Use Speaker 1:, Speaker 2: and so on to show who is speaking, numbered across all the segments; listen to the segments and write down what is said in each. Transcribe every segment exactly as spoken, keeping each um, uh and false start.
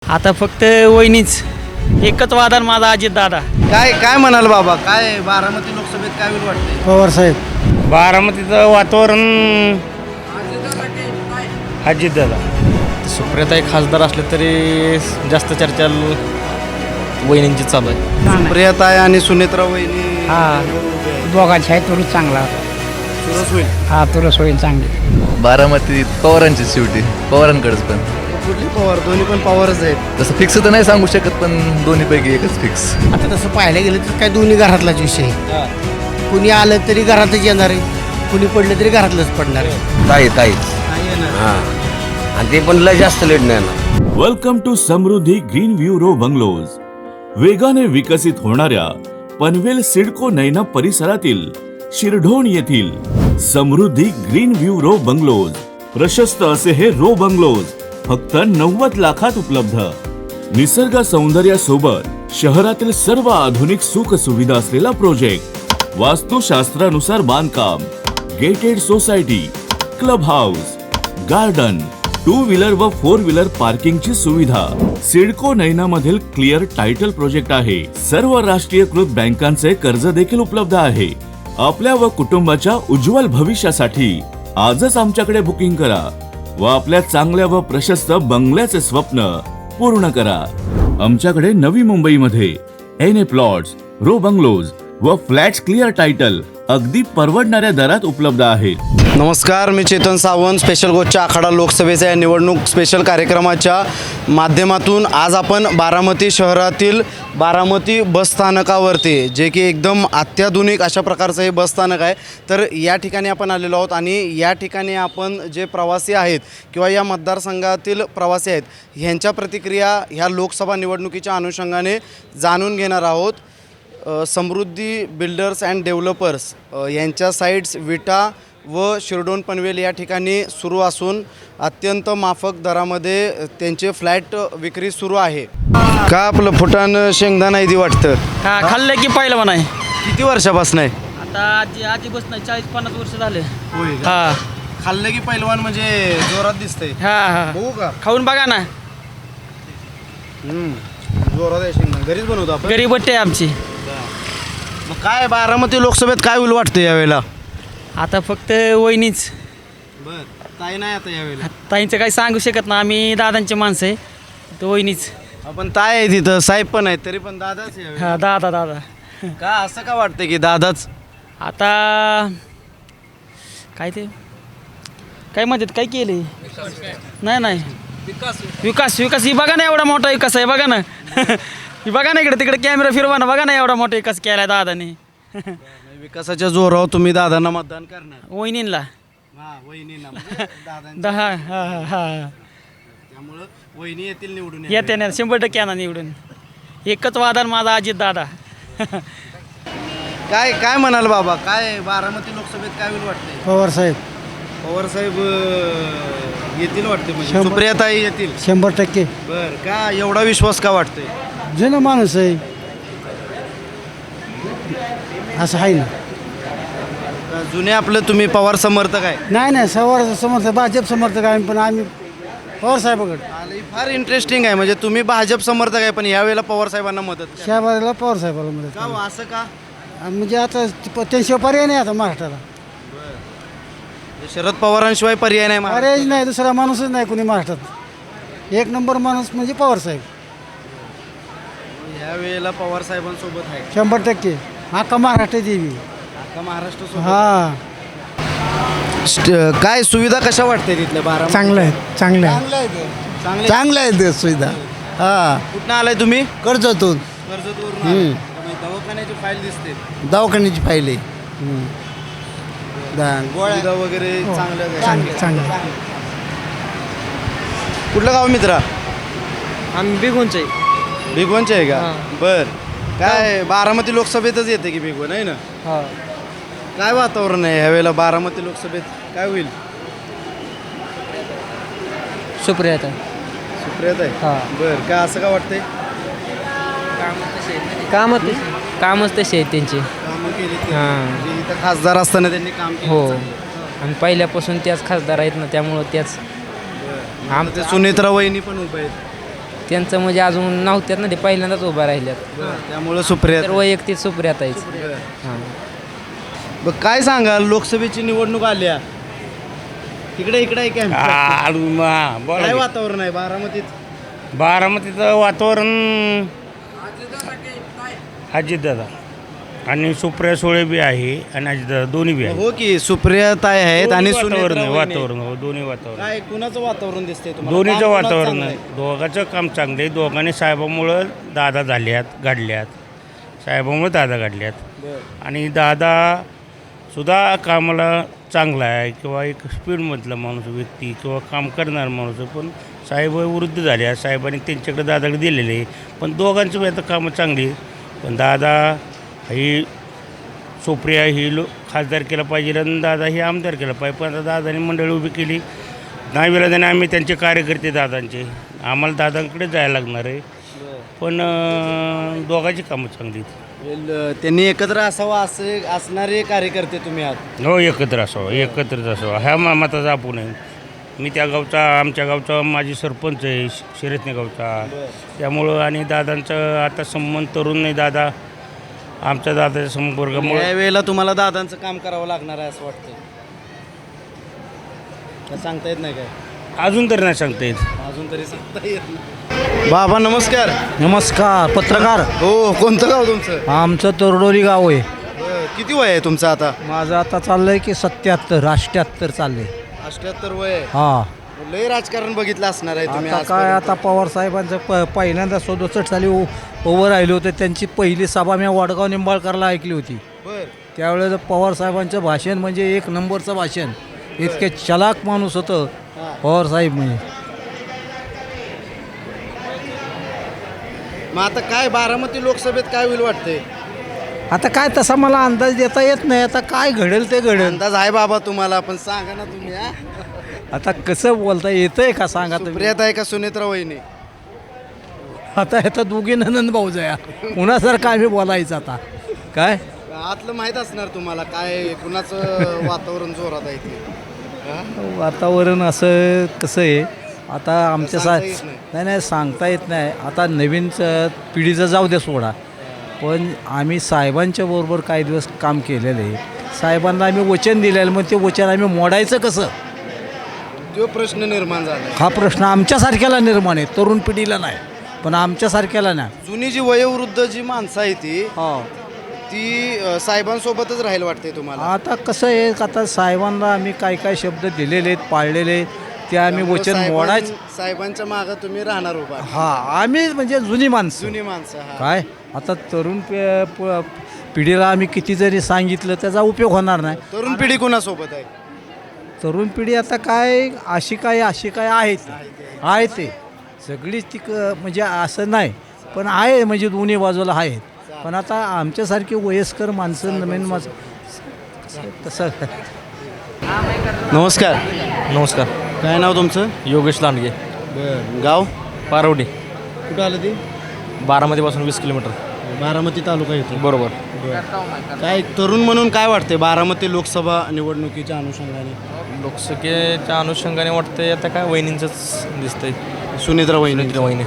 Speaker 1: आता फक्त वहिनीच एकच वादन माझा अजित दादा.
Speaker 2: काय काय म्हणाल बाबा, काय बारामती लोकसभेत काय होईल वाटतंय?
Speaker 3: पवार साहेब.
Speaker 4: बारामतीचं वातावरण अजित दादा.
Speaker 1: सुप्रियाताई खासदार असले तरी जास्त चर्चा वहिनींची चालू आहे.
Speaker 2: प्रियताई आणि सुनेत्रा वहिनी
Speaker 3: हा दोघांची आहे तुरच चांगला.
Speaker 2: सुरस होईल.
Speaker 3: हा तुरच होईल चांगली.
Speaker 5: बारामतीत पवारांची शेवटी पवारांकडेच पण
Speaker 2: कुठली पवार? दोन्ही पण पवारच आहेत.
Speaker 5: तसं फिक्स तर नाही सांगू शकत पण दोन्हीपैकी एकच फिक्स.
Speaker 6: आता तसं पाहायला गेलं तर काय दोन्ही घरातलाच विषय आहे. कुणी आलं तरी घरातच येणार आहे, कुणी पडलं तरी घरातलंच पडणार आहे.
Speaker 7: ताई ताईच हां, आणि ते पण लय जास्त लेट नाही ना.
Speaker 8: Welcome to Samruddhi green view row bungalows. वेगाने विकसित होणाऱ्या पनवेल सिडको नैना परिसरातील शिरढोण येथील Samruddhi green view row bungalows. प्रशस्त असे हे रो बंगलोज फक्त नव्वद लाखात उपलब्ध. निसर्ग सौंदर्यासोबत शहरातील सर्व आधुनिक सुख सुविधा असलेला प्रोजेक्ट. वास्तुशास्त्रानुसार बांधकाम, gated society, club house, garden, two wheeler व फोर व्हीलर पार्किंगची सुविधा. सिडको नैना मधील क्लिअर टायटल प्रोजेक्ट आहे. सर्व राष्ट्रीयकृत बँकांचे कर्ज देखील उपलब्ध आहे. आपल्या व कुटुंबाच्या उज्ज्वल भविष्यासाठी आजच आमच्याकडे बुकिंग करा व आपल्या चांगल्या व प्रशस्त बंगल्याचे स्वप्न पूर्ण करा. आमच्याकडे नवी मुंबईमध्ये N A plots, row bungalows व फ्लॅट्स क्लिअर टायटल अगदी परवडणाऱ्या दरात उपलब्ध आहेत.
Speaker 2: नमस्कार, मी चेतन सावंत. स्पेशल गोष्टच्या आखाडा लोकसभेच्या या निवडणूक स्पेशल कार्यक्रमाच्या माध्यमातून आज आपण बारामती शहरातील बारामती बसस्थानकावरती, जे की एकदम अत्याधुनिक अशा प्रकारचं हे बसस्थानक आहे, तर या ठिकाणी आपण आलेलो आहोत. आणि या ठिकाणी आपण जे प्रवासी आहेत किंवा या मतदारसंघातील प्रवासी आहेत ह्यांच्या प्रतिक्रिया ह्या लोकसभा निवडणुकीच्या अनुषंगाने जाणून घेणार आहोत. समृद्धी बिल्डर्स अँड डेव्हलपर्स यांच्या साईट्स विटा व शिरडोन पनवेल या ठिकाणी सुरू असून अत्यंत माफक दरामध्ये त्यांचे फ्लॅट विक्री सुरू आहे. का आपलं फुटाण शेंगदाणा इथे वाटतं?
Speaker 1: हा खाल्लं की पहिलं म्हणा.
Speaker 2: किती वर्षापासून आहे?
Speaker 1: आता आजी आजी बस नाही चाळीस पन्नास वर्ष झाले.
Speaker 2: होय.
Speaker 1: हा
Speaker 2: खाल्लं की पहिलवान म्हणजे जोरात दिसतंय.
Speaker 1: हा हा
Speaker 2: बघू का?
Speaker 1: खाऊन बघा ना.
Speaker 2: जोरात आहे शेंगदाणा. घरीच बनवतो आपण.
Speaker 1: गरीब बट्टे आहे आमची.
Speaker 2: मग काय बारामती लोकसभेत काय होईल वाटतं यावेळेला?
Speaker 1: आता फक्त वहिनीच.
Speaker 2: बर, ताई नाही आता यावेळेला.
Speaker 1: ताईंचं काही सांगू शकत ना, आम्ही दादांचे माणसं आहे. तर वहिनीच.
Speaker 2: आपण ताई आहे तिथं, साहेब पण आहेत, तरी पण दादाच यावेळेला.
Speaker 1: हा दादा दादा.
Speaker 2: का असं का वाटतं की दादाच?
Speaker 1: आता काय ते काय म्हणतात, काय केले? नाही नाही विकास विकास ही बघा ना, एवढा मोठा विकास आहे बघा ना. ही बघा ना, इकडे तिकडे कॅमेरा फिरवा ना, बघा ना एवढा मोठा विकास केला दादाने.
Speaker 2: विकासाच्या जोरावर तुम्ही दादांना मतदान करणार?
Speaker 1: वहिनींला.
Speaker 2: हा, वहिनींना म्हणजे दादांच्या.
Speaker 1: दहा हा हा हा
Speaker 2: त्यामुळं वहिनी येतील निवडून.
Speaker 1: येते ना, शंभर टक्के आणा निवडून. एकच वादन माझा अजित दादा.
Speaker 2: काय काय म्हणाल बाबा, काय बारामती लोकसभेत काय होईल वाटतंय?
Speaker 3: पवार साहेब.
Speaker 2: पवार साहेब अं, येतील वाटते म्हणजे
Speaker 3: शंभर-
Speaker 2: सुप्रियाताई येतील.
Speaker 3: शंभर टक्के.
Speaker 2: बर, का एवढा विश्वास का वाटतोय?
Speaker 3: जुनं माणूस आहे असं आहे ना.
Speaker 2: का जुने आपलं तुम्ही पवार समर्थक आहे?
Speaker 3: नाही नाही सवार समर्थक भाजप समर्थक आहे, पण आम्ही पवार साहेबाकडे.
Speaker 2: आलं, ही फार इंटरेस्टिंग आहे. म्हणजे तुम्ही भाजप समर्थक आहे पण यावेळेला पवार साहेबांना मदत करा.
Speaker 3: शहबाजला पवार साहेबाला मदत
Speaker 2: का हो, असं का?
Speaker 3: करा. म्हणजे आता त्यांशिवाय पर्याय नाही आता महाराष्ट्राला.
Speaker 2: शरद पवारांशिवाय पर्याय नाही महाराष्ट्रात.
Speaker 3: पर्यायच नाही, दुसरा माणूसच नाही कोणी महाराष्ट्रात. एक नंबर माणूस म्हणजे पवार साहेब.
Speaker 2: यावेळेला पवार साहेबांसोबत आहे
Speaker 3: शंभर टक्के. अख्खा महाराष्ट्र देवी.
Speaker 2: अख्खा महाराष्ट्र सोबत.
Speaker 3: हा
Speaker 2: स्ट- काय सुविधा कशा वाटते तिथल्या बारा?
Speaker 3: चांगलं आहे चांगलं आहे
Speaker 2: चांगले.
Speaker 6: चांगलं आहे ते सुविधा. हा
Speaker 2: कुठनं आलाय तुम्ही?
Speaker 6: कर्जतून
Speaker 2: कर्जतवरून आलाय. त्यामुळे दवाखान्याची फाईल दिसते.
Speaker 6: दवाखान्याची फाईल
Speaker 2: सुविधा वगैरे चांगल्या आहेत.
Speaker 3: चांगलं चांगलं.
Speaker 2: कुठलं गाव मित्रा?
Speaker 1: आम्ही बिगूनचे.
Speaker 2: भिगवणचे आहे का? बर, काय बारामती लोकसभेतच येते की भिगवण आहे ना?
Speaker 1: हा
Speaker 2: काय वातावरण आहे ह्यावेळेला बारामती लोकसभेत काय होईल?
Speaker 1: सुप्रियाता.
Speaker 2: सुप्रियात आहे.
Speaker 1: हा.
Speaker 2: बर, काय असं का वाटतंय?
Speaker 1: कामच कामच तसे आहेत त्यांचे.
Speaker 2: कामं केली ते.
Speaker 1: हां.
Speaker 2: म्हणजे इथं खासदार असताना त्यांनी काम केलं.
Speaker 1: हो.
Speaker 2: चांगलं.
Speaker 1: आणि पहिल्यापासून त्याच खासदार आहेत ना, त्यामुळं त्याच
Speaker 2: आमचे सुनेत्रा वहिनी पण उभे आहेत.
Speaker 9: त्यांचं म्हणजे अजून नव्हत्यात ना, ते पहिल्यांदाच उभा राहिल्यात.
Speaker 2: त्यामुळं सुप्रिया
Speaker 9: तर वैयक्तिक सुप्रियाताईच. हां.
Speaker 2: बघ काय सांगाल लोकसभेची निवडणूक आल्या इकडे इकडे आहे काय
Speaker 4: बोला
Speaker 2: काय
Speaker 4: की.
Speaker 2: वातावरण आहे बारामतीत
Speaker 4: बारामतीचं वातावरण अजितदादा आणि सुप्रिया सुळे बी आहे आणि अजितदादा दोन्ही बी आहे.
Speaker 2: हो की सुप्रिया ताई आहेत आणि
Speaker 4: दोन्ही वातावरण
Speaker 2: सुनेत्रा
Speaker 4: आहे,
Speaker 2: वहिनी आहेत.
Speaker 4: वातावरण हो दोन्ही वातावरण.
Speaker 2: काय कुणाचं वातावरण दिसतंय तुम्हाला
Speaker 4: दोन्हीचं
Speaker 2: काम कुणाचं
Speaker 4: वातावरण
Speaker 2: चांगलं
Speaker 4: आहे. दोघांचं काम चांगलं आहे. दोघांनी साहेबामुळं दादा झाल्यात घडल्यात, साहेबामुळं दादा घडल्यात आणि दादा सुद्धा कामाला चांगला आहे किंवा एक स्पीडमधला माणूस व्यक्ती किंवा काम करणारा माणूस आहे. पण साहेब वृद्ध झाले आहेत, साहेबांनी त्यांच्याकडे दादाकडे दिलेले आहे. पण दोघांची बी आता कामं चांगली आहेत. पण दादा ही सुप्रिया ही लो खासदार केला पाहिजे आणि दादा ही आमदार केला पाहिजे. पण आता दादाने मंडळी उभी केली नाही विरोधाने आम्ही त्यांचे कार्यकर्ते दादांचे आम्हाला दादांकडे जायला लागणार आहे. पण अं, दोघांची कामं चांगली आहेत.
Speaker 2: वेल, त्यांनी एकत्र असावं असे असणारे कार्यकर्ते तुम्ही आहात.
Speaker 4: हो एकत्र असावं एकत्रच असावं ह्या मामाचा आपण आहे. मी त्या गावचा आमच्या गावचा माझी सरपंच आहे शिरसने गावचा. त्यामुळं आणि दादांचं आता संबंध तरुण नाही. दादा आमच्या दादाच्या संपर्कामुळे
Speaker 2: या वेळेला तुम्हाला दादांचं काम करावं लागणार आहे असं वाटतं का सांगता येत नाही काय
Speaker 4: अजून तरी नाही सांगता येत.
Speaker 2: अजून तरी सांगता येत नाही. बाबा नमस्कार.
Speaker 3: नमस्कार पत्रकार.
Speaker 2: हो कोणतं गाव तुमचं?
Speaker 3: आमचं तोरडोली गाव आहे.
Speaker 2: बरं, किती वय आहे तुमचं आता?
Speaker 3: माझं आता चाललंय की सत्याहत्तर अष्ट्याहत्तर चाललंय.
Speaker 2: अष्ट्याहत्तर वय आहे.
Speaker 3: हा
Speaker 2: लय राजकारण बघितलं असणार आहे तुम्ही
Speaker 3: आता काय
Speaker 2: आजपर्यंत.
Speaker 3: आता पवार साहेबांचं प पहिल्यांदा सदुसष्ट साली उ- उभं राहिले होते. त्यांची पहिली सभा मी वडगाव निंबाळकरला ऐकली होती.
Speaker 2: बरं
Speaker 3: त्यावेळेस पवार साहेबांचं भाषण म्हणजे एक नंबरचं भाषण. इतके चलाक माणूस होतं पवार साहेब म्हणजे.
Speaker 2: मग आता काय बारामती लोकसभेत काय होईल वाटतंय?
Speaker 3: आता काय तसा मला अंदाज देता येत नाही. आता काय घडेल ते घडेल.
Speaker 2: अंदाज आहे बाबा तुम्हाला पण सांगा ना तुम्ही हा?
Speaker 3: आता कसं बोलता येतंय का सांगा तुम्ही.
Speaker 2: सुप्रियात आहे का सुनेत्रा वहिनी?
Speaker 3: आता ह्याचा दोघी नंदन भाऊ जया कुणासारखं आम्ही बोलायचं आता काय.
Speaker 2: आतलं माहीत असणार तुम्हाला काय कुणाचं वातावरण जोरात आहे ते हा?
Speaker 3: वातावरण असं कसं आहे आता आमच्या सा
Speaker 2: सांगता येत नाही.
Speaker 3: नाही नाही सांगता येत नाही. आता नवीन च- पिढीचं जाऊ दे सोडा. पण आम्ही साहेबांच्या बरोबर काही दिवस काम केलेलं आहे. साहेबांना आम्ही वचन दिलेलं मग ते वचन आम्ही मोडायचं कसं
Speaker 2: तो प्रश्न निर्माण झाला.
Speaker 3: हा प्रश्न आमच्यासारख्याला निर्माण आहे. तरुण पिढीला नाही पण आमच्यासारख्याला नाही.
Speaker 2: जुनी जी वयोवृद्ध जी माणसं आहे ती
Speaker 3: हो
Speaker 2: ती अ, साहेबांसोबतच राहायला वाटते तुम्हाला?
Speaker 3: आता कसं आहे आता साहेबांना आम्ही काय काय शब्द दिलेले आहेत पाळलेले आहेत ते आम्ही
Speaker 2: त्यामुळं
Speaker 3: वचन
Speaker 2: साहेबां-
Speaker 3: मोडायचं.
Speaker 2: साहेबांच्या मागं तुम्ही राहणार उभा.
Speaker 3: हा आम्ही म्हणजे जुनी माणसं
Speaker 2: जुनी माणसं हा.
Speaker 3: काय आता तरुण पे- प- पिढीला आम्ही किती जरी सांगितलं त्याचा उपयोग होणार नाही.
Speaker 2: तरुण पिढी कुणासोबत आहे?
Speaker 3: तरुण पिढी आता काय अशी काय अशी काय आहे ती आहे ते सगळीच ती क- म्हणजे असं नाही पण आहे म्हणजे दोन्ही बाजूला आहेत. पण आता आमच्यासारखी वयस्कर माणसं नवीन माणसं तसं
Speaker 2: नमस्कार.
Speaker 1: नमस्कार.
Speaker 2: काय नाव तुमचं?
Speaker 1: योगेश लांडगे,
Speaker 2: बरं गाव
Speaker 1: पारवडी,
Speaker 2: कुठं आलं ते?
Speaker 1: बारामतीपासून वीस किलोमीटर.
Speaker 2: बारामती तालुका येतो.
Speaker 1: बरोबर.
Speaker 2: काय तरुण म्हणून काय वाटते बारामती लोकसभा निवडणुकीच्या अनुषंगाने?
Speaker 1: लोकसंख्येच्या अनुषंगाने वाटतंय आता काय वहिनींचंच दिसतंय.
Speaker 2: सुनेत्रा वहिनी.
Speaker 1: वहिनी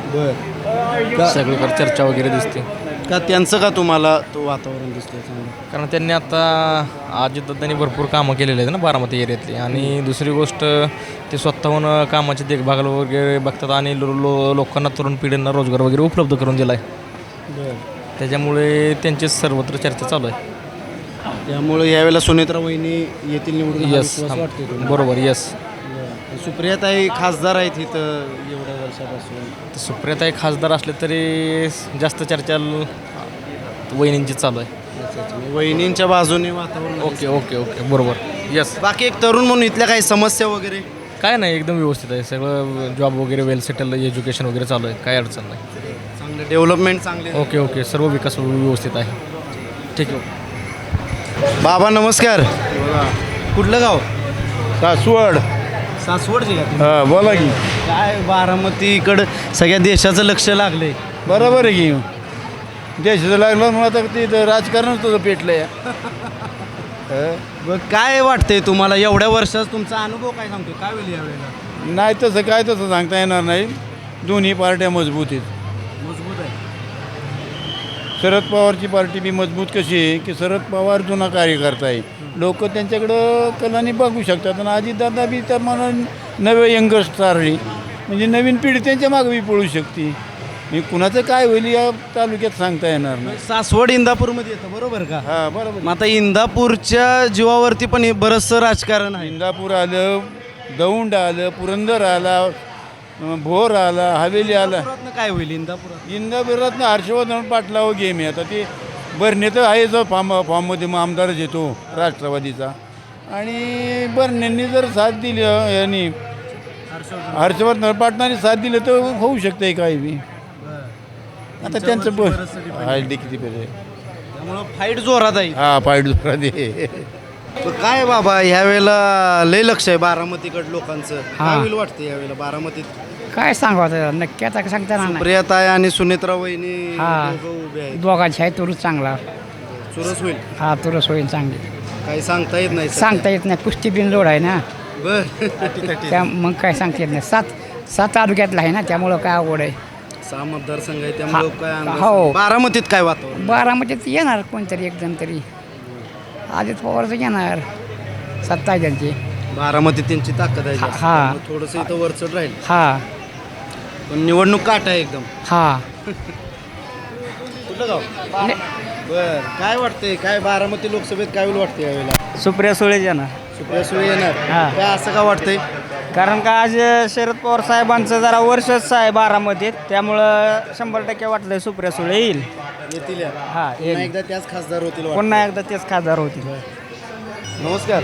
Speaker 2: बरं
Speaker 1: सगळीकडे चर्चा वगैरे दिसते.
Speaker 2: का त्यांचं का तुम्हाला तो वातावरण दिसतंय चांगलं?
Speaker 1: कारण त्यांनी आता अजितदादांनी भरपूर कामं केलेली आहेत ना बारामती एरियातली. आणि दुसरी गोष्ट ते स्वतःहून कामाची देखभाल वगैरे बघतात आणि लो लो लोकांना तरुण पिढींना रोजगार वगैरे उपलब्ध करून दिला आहे. त्याच्यामुळे त्यांची सर्वत्र चर्चा चालू आहे.
Speaker 2: त्यामुळे यावेळेला सुनेत्रा वहिनी येथील निवडून हा
Speaker 1: यस
Speaker 2: विश्वास वाटते तुम्हाला?
Speaker 1: बरोबर यस.
Speaker 2: सुप्रियाताई खासदार आहेत इथं एवढ्या वर्षापासून.
Speaker 1: सुप्रियाताई खासदार असले तरी जास्त चर्चा ल- वहिनींची चालू आहे.
Speaker 2: वहिनींच्या बाजूने वातावरण आहे.
Speaker 1: ओके ओके ओके बरोबर यस.
Speaker 2: बाकी एक तरुण म्हणून इथल्या काही समस्या वगैरे?
Speaker 1: काय नाही एकदम व्यवस्थित आहे सगळं. जॉब वगैरे वेल सेटल एज्युकेशन वगैरे चालू आहे. काय अडचण नाही.
Speaker 2: चांगलं डेव्हलपमेंट चांगले.
Speaker 1: ओके ओके सर्व विकास व्यवस्थित आहे. ठीक आहे.
Speaker 2: बाबा नमस्कार. कुठलं गाव?
Speaker 4: सासवड.
Speaker 2: सासवडचे का तुम्ही?
Speaker 4: हा बोला की.
Speaker 2: काय बारामतीकडं सगळ्या देशाचं लक्ष लागलंय.
Speaker 4: बरोबर आहे की देशाचं लागलं म्हणून आता ते राजकारणच तुझं पेटलंय.
Speaker 2: बघ काय वाटतंय तुम्हाला एवढ्या वर्षात तुमचा अनुभव काय सांगतो काय होईल यावेळेला?
Speaker 4: नाही तसं काय तसं सांगता येणार नाही.
Speaker 3: दोन्ही पार्ट्या मजबूत आहेत.
Speaker 2: मजबूत आहे.
Speaker 3: शरद पवारची पार्टी बी मजबूत कशी आहे की शरद पवार जुना कार्यकर्ता आहे. लोक त्यांच्याकडं कलाने बघू शकतात आणि अजितदादा बी त्या मला नवे यंगस्टार आहे म्हणजे नवीन पिढी त्यांच्या मागे बी पळू शकते. हे कुणाचं काय होईल या तालुक्यात सांगता येणार नाही.
Speaker 2: सासवड इंदापूरमध्ये येतं बरोबर का?
Speaker 3: हां बरोबर.
Speaker 2: मग आता इंदापूरच्या जीवावरती पण हे बरंचसं राजकारण आहे.
Speaker 3: इंदापूर आलं, दौंड आलं, पुरंदर आला, अं, भोर आला, हवेली आला.
Speaker 2: इंदापुरातनं काय होईल इंदापुरात?
Speaker 3: इंदापुरात हर्षवर्धन पाटलावर गेम आहे. आता ते बरणे तर आहे जो फॉर्म फॉर्ममध्ये मग आमदारच येतो राष्ट्रवादीचा आणि बर्नेंनी जर साथ दिली यांनी हर्षवर्धन पाटलांनी साथ दिली तर होऊ शकते काही बी. आता त्यांचं ब हाय किती पेरे
Speaker 2: त्यामुळं फाईट जोरात आहे.
Speaker 3: हा पाईट दुसरा दे.
Speaker 2: पण काय बाबा ह्या वेळेला लय लक्ष आहे बारामतीकड लोकांचं. काय होईल वाटतं यावेळेला बारामतीत?
Speaker 9: काय सांगावं नक्की आता सांगता ना
Speaker 2: प्रियाताई आणि सुनेत्रा वहिनी
Speaker 9: हा.
Speaker 2: दोघं उभे आहेत.
Speaker 9: दोघांची आहे तुरच चांगला
Speaker 2: चुरस होईल
Speaker 9: हा तुरस होईल चांगली
Speaker 2: काही सांगता येत नाही सध्या.
Speaker 9: सांगता येत नाही कुस्ती बिन लोड आहे ना
Speaker 2: बर तटी तटी.
Speaker 9: त्या मग काय सांगता येत नाही सात सात तालुक्यातला आहे ना त्यामुळं काय अवघड आहे.
Speaker 2: सहा मतदारसंघ आहे त्यामुळे काय अंदाज
Speaker 9: हो.
Speaker 2: नाही. बारामतीत काय वातावरण?
Speaker 9: बारामतीत येणार कोणतरी एक जण तरी अजित पवारचं येणार सत्ता आहे त्यांची.
Speaker 2: बारामतीत त्यांची ताकद आहे जास्त.
Speaker 9: हा.
Speaker 2: त्यामुळे थोडंसं इथं वरचढ राहील
Speaker 9: हा
Speaker 2: पण निवडणूक काट आहे एकदम.
Speaker 9: हा
Speaker 2: कुठलं गाव? बर काय वाटतंय काय बारामती लोकसभेत काय होईल वाटतं यावेळेला?
Speaker 1: सुप्रिया सुळे येणार.
Speaker 2: सुप्रिया सुळे येणार.
Speaker 1: हा.
Speaker 2: काय असं का वाटतंय?
Speaker 1: कारण का आज शरद पवार साहेबांचं जरा वर्षच आहे बारामतीत त्यामुळं शंभर टक्के वाटलं सुप्रिया सुळे येईल.
Speaker 2: येतील या.
Speaker 1: हा
Speaker 2: पुन्हा
Speaker 1: येईल.
Speaker 2: एकदा त्याच खासदार होतील वाटतं.
Speaker 1: पुन्हा एकदा तेच खासदार होतील.
Speaker 2: नमस्कार.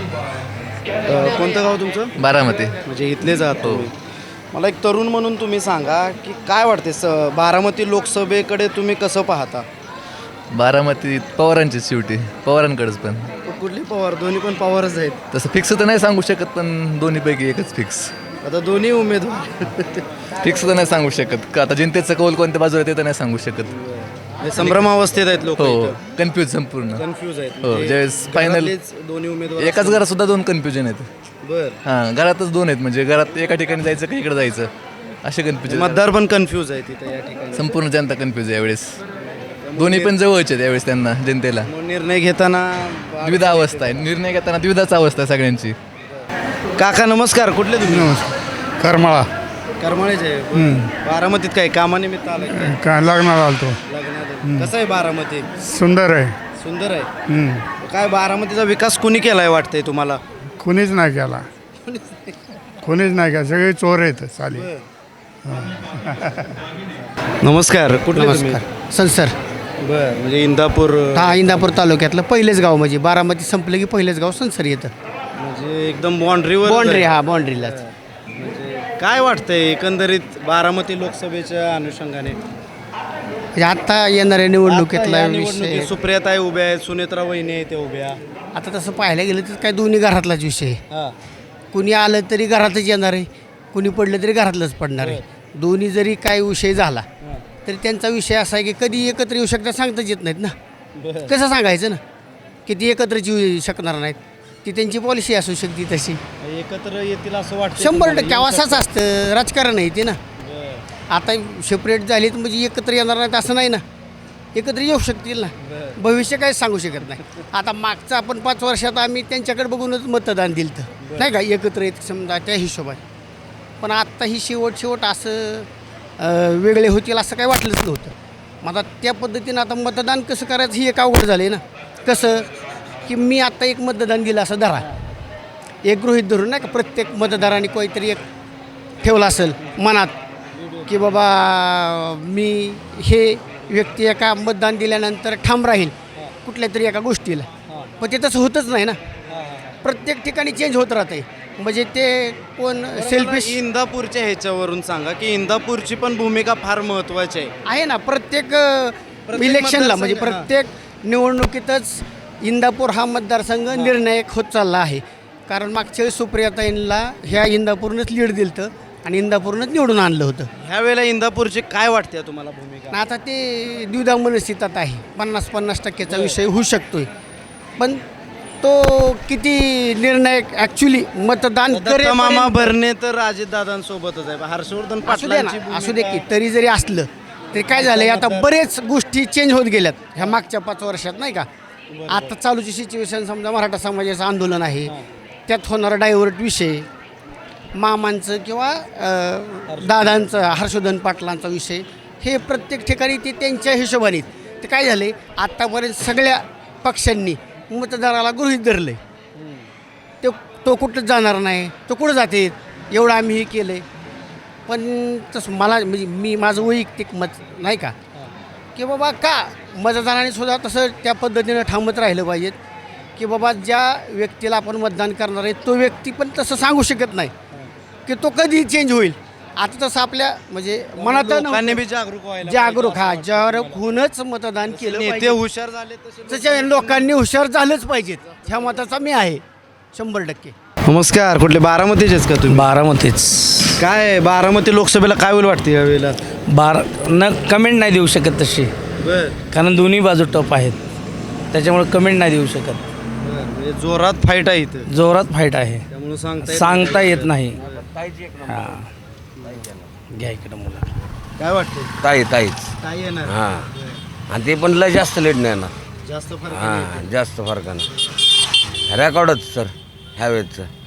Speaker 2: अ, कोणतं गाव तुमचं?
Speaker 5: बारामती.
Speaker 2: म्हणजे इथलेच आहात तुम्ही. मला एक तरुण म्हणून तुम्ही सांगा की काय वाटते स बारामती लोकसभेकडे तुम्ही कसं पाहता?
Speaker 5: बारामतीत पवारांचीच शेवटी पवारांकडेच पण
Speaker 2: कुठली पवार? दोन्ही पण पवारच आहेत.
Speaker 5: तसं फिक्स तर नाही सांगू शकत पण दोन्हीपैकी एकच फिक्स.
Speaker 2: आता दोन्ही उमेदवार
Speaker 5: फिक्स तर नाही सांगू शकत का आता जनतेचं कौल कोणत्या बाजूला ते तर नाही सांगू शकत.
Speaker 2: संभ्रमावस्थेत आहेत लोक.
Speaker 5: हो कन्फ्यूज संपूर्ण.
Speaker 2: कन्फ्यूज आहेत.
Speaker 5: हो
Speaker 2: म्हणजे
Speaker 5: ज्यावेळेस फायनल
Speaker 2: घरातलेच दोन्ही उमेदवार
Speaker 5: एकाच घरात सुद्धा दोन कन्फ्युजन आहेत.
Speaker 2: बर.
Speaker 5: हां घरातच दोन आहेत म्हणजे घरात एका ठिकाणी जायचं का इकडे जायचं असे कन्फ्युजन.
Speaker 2: मतदार पण कन्फ्यूज आहे तिथे या ठिकाणी.
Speaker 5: संपूर्ण जनता कन्फ्यूज आहे यावेळेस. दोन्ही पण जवळचे आहेत यावेळेस त्यांना जनतेला.
Speaker 2: मग निर्णय घेताना
Speaker 5: द्विधा अवस्था आहे निर्णय घेताना द्विधाच अवस्था आहे सगळ्यांची.
Speaker 2: काका नमस्कार. कुठले तुम्ही?
Speaker 3: करमाळा
Speaker 2: करमाळेच आहे. बारामतीत काय कामानिमित्त आलाय काय?
Speaker 3: काय लागणार आलतो.
Speaker 2: लग्नात. कसं आहे बारामती?
Speaker 3: सुंदर आहे.
Speaker 2: सुंदर आहे. काय बारामतीचा विकास कुणी केलाय वाटतंय तुम्हाला?
Speaker 3: कुणीच नाही केला. कुणीच नाही केला. सगळे चोर आहेत चालेल.
Speaker 2: नमस्कार. कुठले तुम्ही?
Speaker 6: नमस्कार संसर.
Speaker 2: बर म्हणजे इंदापूर
Speaker 6: हा इंदापूर तालुक्यातलं पहिलेच गाव म्हणजे बारामती संपलं की पहिलेच गाव संसर येतं.
Speaker 2: म्हणजे एकदम बाँड्रीवर
Speaker 6: बाँड्री हा बाँड्रीलाच.
Speaker 2: काय वाटतंय एकंदरीत बारामती लोकसभेच्या अनुषंगाने?
Speaker 6: म्हणजे आत्ता येणाऱ्या निवडणुकीतला
Speaker 2: आता या
Speaker 6: विषय
Speaker 2: निवडणुकीत सुप्रियाताई उभ्या आहेत, सुनेत्रा वहिनी आहेत त्या उभ्या.
Speaker 6: आता तसं पाहायला गेलं तर काय दोन्ही घरातलाच विषय आहे.
Speaker 2: हा.
Speaker 6: कुणी आलं तरी घरातच येणार आहे कुणी पडलं तरी घरातलंच पडणार आहे. दोन्ही जरी काय विषय झाला तरी त्यांचा विषय असा आहे की कधी एकत्र येऊ शकतात सांगताच येत नाहीत ना. कसं सांगायचं ना किती एकत्रच येऊ शकणार नाहीत. ती त्यांची पॉलिसी असू शकते तशी.
Speaker 2: एकत्र येतील असं वाटतं?
Speaker 6: शंभर टक्के असंच असतं राजकारण आहे ते ना. आता सेपरेट झालीत म्हणजे एकत्र येणार नाहीत असं नाही ना. एकत्र येऊ शकतील ना. भविष्य काय सांगू शकत नाही. आता मागचं आपण पाच वर्षात आम्ही त्यांच्याकडे बघूनच मतदान दिलं तर नाही का एकत्र येत समजा त्या हिशोबाने. पण आत्ता ही शेवट शेवट असं अं, वेगळे होतील असं काही वाटलंच नव्हतं. मग आता त्या पद्धतीनं आता मतदान कसं करायचं ही एक अवघड झालं आहे ना. कसं की मी आत्ता एक मतदान दिलं असं धरा एक गृहीत धरून नाही का प्रत्येक मतदाराने काहीतरी एक ठेवलं असेल मनात की बाबा मी हे व्यक्ती एका मतदान दिल्यानंतर ठाम राहील कुठल्या तरी एका गोष्टीला. पण ते तसं होतच नाही ना. प्रत्येक ठिकाणी चेंज होत राहते. म्हणजे ते कोण सेल्फिश
Speaker 2: इंदापूरच्या ह्याच्यावरून सांगा की इंदापूरची पण भूमिका फार महत्त्वाची आहे.
Speaker 6: आहे ना. प्रत्येक इलेक्शनला म्हणजे
Speaker 2: मतदारसंघ,
Speaker 6: प्रत्येक निवडणुकीतच इंदापूर हा मतदारसंघ निर्णायक होत चालला आहे. कारण मागच्या वेळेस सुप्रियाताईंना ह्या इंदापूरनंच लीड दिलं होतं आणि इंदापूरनंच निवडून आणलं होतं.
Speaker 2: ह्या वेळेला इंदापूरची काय वाटते तुम्हाला भूमिका?
Speaker 6: आणि आता ते द्विधा मनस्थितीत आहे. पन्नास पन्नास टक्क्याचा विषय होऊ शकतोय. पण तो किती निर्णायक ॲक्च्युली मतदान
Speaker 2: दत्त मामा
Speaker 6: करेपर्यंत-
Speaker 2: भरणे तर अजितदादांसोबतच आहे हर्षवर्धन
Speaker 6: असू दे ना
Speaker 2: पाटलांची
Speaker 6: असू दे की तरी जरी असलं तरी काय झालं आता बरेच गोष्टी चेंज होत गेल्यात ह्या मागच्या पाच वर्षात नाही का. आता चालूची सिच्युएशन समजा मराठा समाजाचं आंदोलन आहे त्यात होणारा डायव्हर्ट विषय मामांचं किंवा अ, दादांचं हर्षवर्धन पाटलांचा विषय हे प्रत्येक ठिकाणी ते त्यांच्या हिशोबाने ते काय झाले आत्तापर्यंत सगळ्या पक्षांनी मतदाराला गृहीत धरलं ते तो कुठंच जाणार नाही तो कुठं जाते एवढं आम्ही हे केलं आहे. पण तसं मला म्हणजे मी माझं वैयक्तिक मत नाही का की बाबा का मतदाराने सुद्धा तसं त्या पद्धतीनं ठामत राहिलं पाहिजेत की बाबा ज्या व्यक्तीला आपण मतदान करणार आहे तो व्यक्ती पण तसं सांगू शकत नाही की तो कधी चेंज होईल. आता तसं आपल्या म्हणजे मनात
Speaker 2: लोकांनी बी जागरूक व्हायला
Speaker 6: जागरूक हा जागरूक होऊनच मतदान केलं
Speaker 2: नेते
Speaker 6: पाहिजे.
Speaker 2: हुशार झाले तसे
Speaker 6: तशा लोकांनी हुशार झालंच पाहिजेत ह्या मताचा मी आहे शंभर टक्के.
Speaker 2: नमस्कार कुठले बारामतीचेच का तुम्ही
Speaker 1: बारामतीच
Speaker 2: काय बारामती लोकसभेला काय होईल वाटते यावेळेला
Speaker 1: बारा न कमेंट नाही देऊ शकत तशी
Speaker 2: बर
Speaker 1: कारण दोन्ही बाजू टप आहेत त्याच्यामुळे कमेंट नाही देऊ शकत.
Speaker 2: म्हणजे जोरात फाईट आहे इथं
Speaker 1: जोरात फाईट आहे
Speaker 2: त्यामुळे सांगता येत
Speaker 1: सांगता येत नाही. हां घ्या इकडं मुला
Speaker 2: नाही. काय वाटतं
Speaker 7: ताई ताईच
Speaker 2: काय येणार
Speaker 7: हां आणि ते पण लय जास्त लेट नाही येणार
Speaker 2: जास्त फरक
Speaker 7: हां जास्त फरकानं रेकॉर्डच सर ह्या वेळेचं